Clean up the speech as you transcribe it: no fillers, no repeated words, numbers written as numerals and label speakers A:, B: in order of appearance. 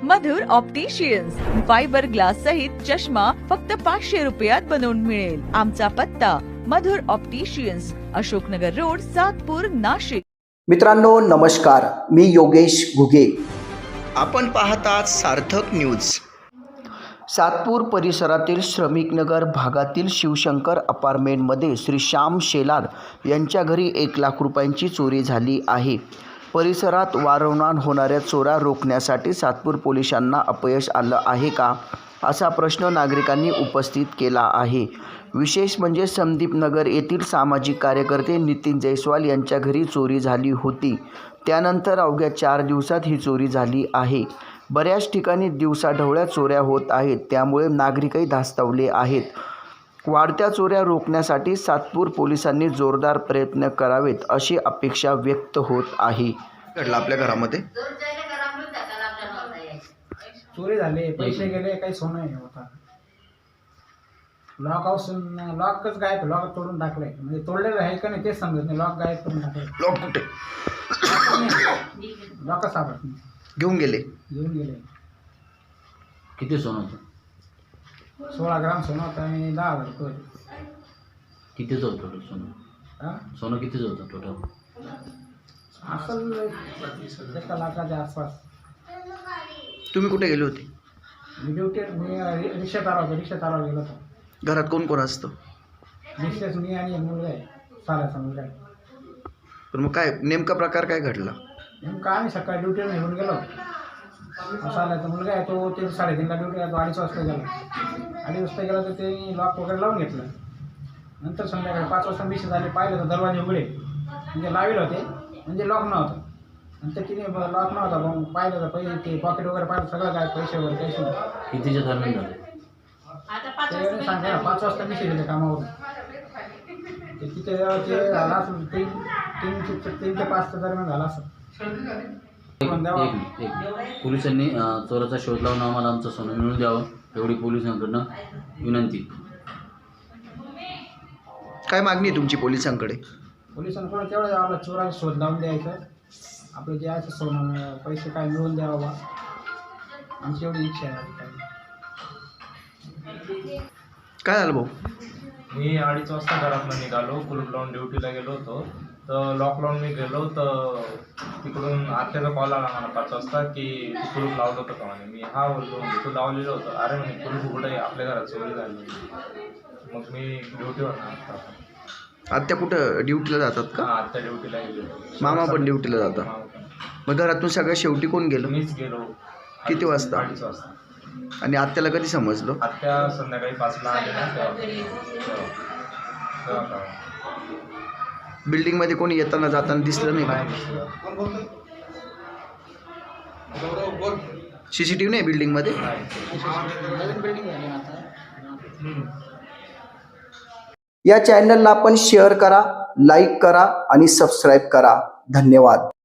A: मधुर opticians fibre glass सहित चष्मा फक्त 500 रुपयात बनवून मिळेल। आमचा पत्ता मधुर ऑप्टिशियन्स, अशोकनगर रोड, सातपूर, नाशिक।
B: मित्रांनो नमस्कार, मी योगेश घुगे। आपण पाहतात सार्थक न्यूज। सातपूर परिसरातील श्रमिक नगर भागातील शिवशंकर अपार्टमेंटमध्ये श्री श्याम शेलार यांच्या घरी 1 लाख रुपयांची चोरी झाली आहे। परिसरात वारंवार होणाऱ्या चोऱ्या रोखण्यासाठी सातपूर पोलिसांना अपयश आलं आहे का, असा प्रश्न नागरिकांनी उपस्थित केला आहे। विशेष म्हणजे संदीप नगर येथील सामाजिक कार्यकर्ते नितीन जयस्वाल यांच्या घरी चोरी झाली होती। त्यानंतर अवघ्या 4 दिवसात ही चोरी झाली आहे। बऱ्याच ठिकाणी दिवसाढवळ्या चोऱ्या होत आहेत, त्यामुळे नागरिकही धास्तावले आहेत। वाढत्या चोऱ्या रोखण्यासाठी सातपूर पोलिसांनी जोरदार प्रयत्न करावेत, अशी अपेक्षा व्यक्त होत आहे। घडलं आपल्या घरामध्ये
C: चोरी झाली, पैसे गेले, काही सोनं नाही होता। लॉकच गायब, लॉक तोडून टाकलंय, म्हणजे तोडलेलं आहे का नाही तेच समजत नाही। लॉक गायब करून टाकलं।
B: लॉक कुठे?
C: लॉक सापडत नाही,
B: घेऊन गेले।
D: किती सोनं होतं?
C: 16 ग्राम सोनं होतं आणि 10,000 रुपये।
D: कितीचं होतं टोटल सोनं?
C: हां,
D: सोनं कितीचं होतं टोटल?
C: असेल 1 लाखाच्या आसपास।
B: तुम्ही कुठे गेले होते?
C: मी रिक्षात आलो होतो, गेलो होतो।
B: घरात कोण कोण असतं?
C: मिसेस, मी आणि एक मुलगा आहे, साऱ्याचा मुलगा आहे।
B: पण मग काय नेमका प्रकार काय घडला?
C: नेमकं आम्ही सकाळी ड्युटीवर निघून गेलो। साऱ्याचा मुलगा आहे तो 3:30ला ड्युटीला, तो 2:30 वाजता गेला। 2:30 वाजता गेला तर त्यांनी लॉक वगैरे लावून घेतलं। नंतर संध्याकाळी 5 वाजता मिसेस आले, पाहिलं तर दरवाजे उघडे, म्हणजे लावेल होते, म्हणजे लॉक नव्हतं। नंतर तिने लॉक नव्हता, मग पाहिलं तर पैसे, ते पॉकेट वगैरे पाहिलं, सगळं काय, पैसे वगैरे काहीच नव्हतं।
D: कितीच्या दरम्यान झालं?
C: ते सांगा 5 वाजता मिसेस गेले कामावरून, ते तिथे ते झाला असेल 3 ते 5 दरम्यान झाला असेल।
D: एक पोलिसांनी चोराचा शोध लावून आम्हाला आमचं सोनं मिळवून द्यावं, एवढी पोलिसांकडनं विनंती।
B: काय मागणी आहे तुमची पोलिसांकडे?
C: पोलिसांकडे तेवढं आपला चोराचा शोध लावून द्यायचं, आपलं जे आहे सोनं पैसे काय मिळवून द्यावं बा, आमची एवढी इच्छा आहे।
B: काय झालं भाऊ?
E: मी 2:30 वाजता घरातून निघालो, कुलूप लावून ड्युटीला गेलो होतो। तर लॉक लावून मी गेलो, तर तिकडून आत्याचा कॉल आला मला 5 वाजता की तू कुलूप लावलं होतं का म्हणे। मी हा बोललो, तू लावलेलं होतं। अरे म्हणे कुलूप उघडं आहे, आपल्या घरात चोरी झाली। मग मी ड्युटीवर ना
B: आत्या कुठं ड्युटीला जातात का?
E: आत्या ड्युटीला गेलो,
B: मामा पण ड्युटीला जातात। मग घरातून सगळ्यात शेवटी कोण गेलं?
E: मीच गेलो।
B: किती वाजता?
E: 2:30 वाजता।
B: आणि आत्याला कधी समजलं?
E: आत्या संध्याकाळी 5ला आले ना, तेव्हा
B: बिल्डिंग मध्ये कोणी येताना जाताना दिसलं नाही का? CCTV नाही बिल्डिंग मध्ये? या चॅनलला आपण शेअर करा, लाईक करा आणि सबस्क्राईब करा। धन्यवाद।